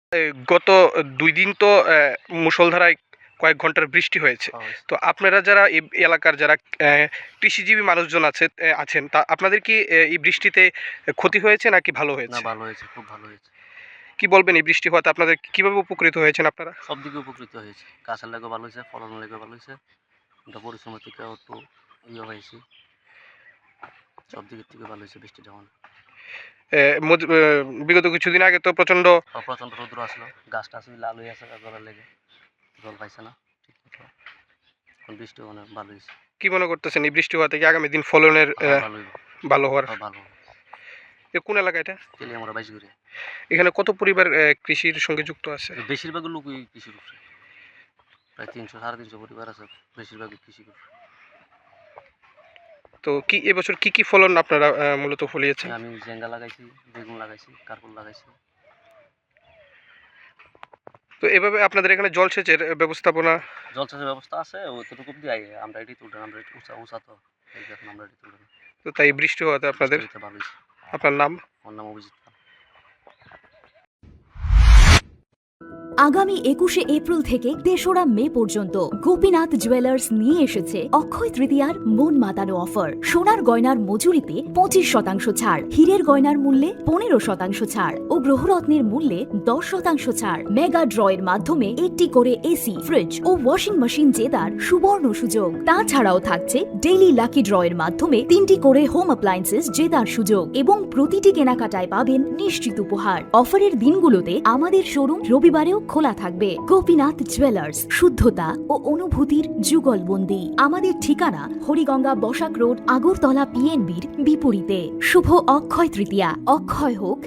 গত ২ দিন তো মুষলধারায় কয়েক ঘন্টার বৃষ্টি হয়েছে। পাওয়া হয়েছে। তো আপনারা যারা এই এলাকার যারা কৃষিজীবী মানুষজন আছেন তা আপনাদের কি এই বৃষ্টিতে ক্ষতি হয়েছে নাকি ভালো না হয়েছে? ভালো হয়েছে, খুব ভালো হয়েছে। কি বলবেন এই বৃষ্টি হওয়াতে আপনাদের কিভাবে উপকৃত হয়েছেন আপনারা? সব দিকে উপকৃত হয়েছে। গাছের লাগেও ভালো হয়েছে, ফলনের লাগেও ভালো হয়েছে। আমরা পরিশ্রমের থেকেও একটু হয়েছি। সব দিকের থেকে ভালো হয়েছে বৃষ্টিটা আমাদের। অ্যা মজ বিগত কিছুদিন আগে তো প্রচণ্ড প্রচণ্ড রৌদ্র আসলো। গাছটা আসলে লাল হয়ে আছে জলের লেগে। জল পাইছে না ঠিকমতো। এখন বৃষ্টি মানে ভালো হয়েছে। কি মনে করতেছেন এই বৃষ্টি হওয়া থেকে আগামী দিন ফলনের ভালো হইব। ভালো হওয়ার? ভালো। কোন এলাকা এটা? তেলিয়ামুড়া বাইশগুড়িয়া। এখানে কত পরিবার কৃষির সঙ্গে যুক্ত আছে? বেশিরভাগ লোকই কৃষির উপরে। প্রায় ৩০০ ৩৫০ পরিবার আছে। বেশিরভাগই কৃষির উপরে। তো কি এবছর কি ফলন আপনারা মূলত ফলিয়েছেন? আমি ঝিঙ্গা লাগাইছি, বেগুন লাগাইছি, কারকুল লাগাইছি। তো এভাবে আপনাদের এখানে জলসেচের ব্যবস্থাপনা? জলসেচের ব্যবস্থা আছে, অতটুকু দিয়ে আমরা এটি তুললাম। আমরা একটু উঁচা তো এই যে এখন আমরা এটি তুললাম। তো তাই বৃষ্টি হওয়াতে আপনাদের? বৃষ্টি হইতে ভালো হয়েছে। আপনার নাম? আমার নাম অভিজিৎ পাল। আগামী ২১শে এপ্রিল থেকে ৩রা মে পর্যন্ত গোপীনাথ জুয়েলার্স নিয়ে এসেছে অক্ষয় তৃতীয়ার মন মাতানো অফার। সোনার গয়নার মজুরিতে ২৫% ছাড়, হীরের গয়নার মূল্যে ১৫% ছাড় ও গ্রহরত্নের মূল্যে ১০% ছাড়। মেগা ড্রয়ের মাধ্যমে একটি করে এসি, ফ্রিজ ও ওয়াশিং মেশিন জেতার সুবর্ণ সুযোগ। তাছাড়াও থাকছে ডেইলি লাকি ড্রয়ের মাধ্যমে ৩টি করে হোম অ্যাপ্লায়েন্সেস জেতার সুযোগ এবং প্রতিটি কেনাকাটায় পাবেন নিশ্চিত উপহার। অফারের দিনগুলোতে আমাদের শোরুম রবিবারেও খোলা থাকবে। গোপীনাথ জুয়েলার্স, শুদ্ধতা ও অনুভূতির যুগলবন্দি। আমাদের ঠিকানা হরিগঙ্গা বসাক রোড, আগরতলা PNB'র বিপরীতে। শুভ অক্ষয় তৃতীয়া। অক্ষয় হোক